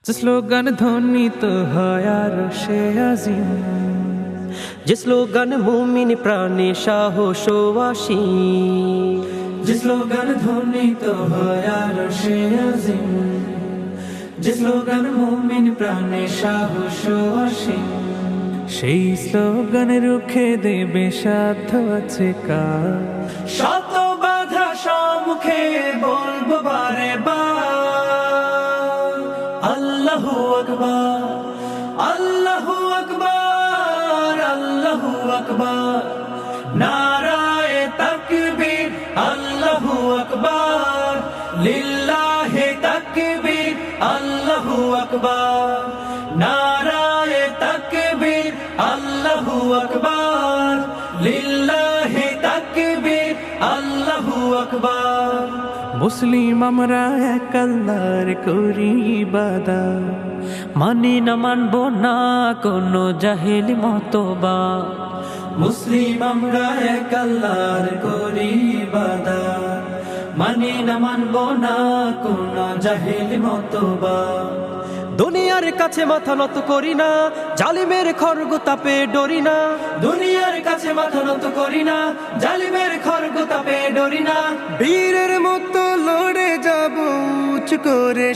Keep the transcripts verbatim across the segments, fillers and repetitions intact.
যে স্লোগান ধ্বনিত হয় আরশে আজিম, যে স্লোগান মুমিন প্রাণে সাহস আসি, যে স্লোগান ধ্বনিত হয় আরশে আজিম, যে স্লোগান মুমিন প্রাণে সাহস আসি, সেই স্লোগান রুখে দেবে সাধ্য আছে কার। শত বাধা সম্মুখে বলবো বারে বার, আল্লাহু আকবার, আল্লাহু আকবার, আল্লাহু আকবার, নারায়ে তাকবীর, আল্লাহু আকবার, লিল্লাহি তাকবীর, আল্লাহু আকবার, নারায়ে তাকবীর, আল্লাহু আকবার, লিল্লাহি তাকবীর, আল্লাহু আকবার। মুসলিম আমরা এক আল্লাহর করি ইবাদত, মানি না মানব না কোনো জাহেলি মতবা। মুসলিম আমরা এক আল্লাহর করি ইবাদত, মানি না মানব না কোনো জাহেলি মতবা। দুনিয়ার কাছে মাথা নত করি না, জালিমের খড়গ তাপে ডরি না। দুনিয়ার কাছে মাথা নত করি না, জালিমের খড়গ তাপে ডরি না। বীরের মতো লড়ে যাব উঁচ করে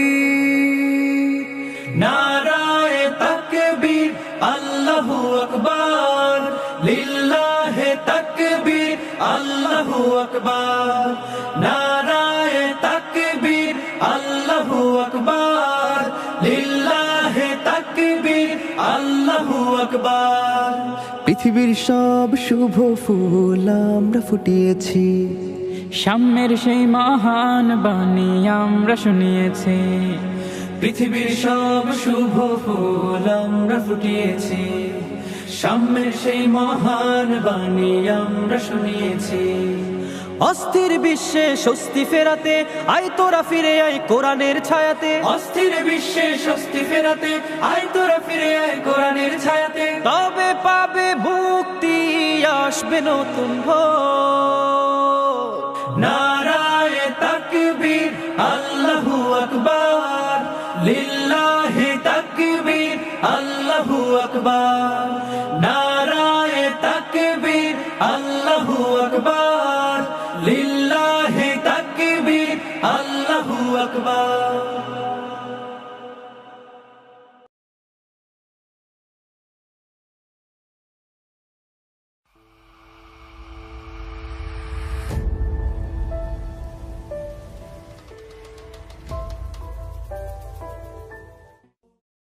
শির, নারায়ে তাকবীর, আল্লাহু আকবার, লিল্লাহি তাকবীর, আল্লাহু আকবার, নারায়ে তাকবীর, আল্লাহু আকবার, লিল্লাহি তাকবীর, আল্লাহু আকবার। পৃথিবীর সব শুভ ফুল আমরা ফুটিয়েছি, সাম্যের সেই মহান বাণী আমরা শুনিয়েছি। পৃথিবীর সব শুভ ফুল আমরা ফুটিয়েছি, সাম্যের সেই মহান বাণী আমরা শুনিয়েছি। অস্থির বিশ্বে স্বস্তি ফেরাতে আয় তোরা ফিরে আয় কোরআনের ছায়াতে। অস্থির বিশ্বে স্বস্তি ফেরাতে আয় তোরা ফিরে আয় কোরআনের ছায়াতে। তবে পাবে মুক্তি, আসবে নতুন ভোর। নারায়ে তাকবীর, আল্লাহু আকবার, লিল্লাহি তাকবীর, আল্লাহু আকবার, নারায়ে তাকবীর, আল্লাহু আকবার,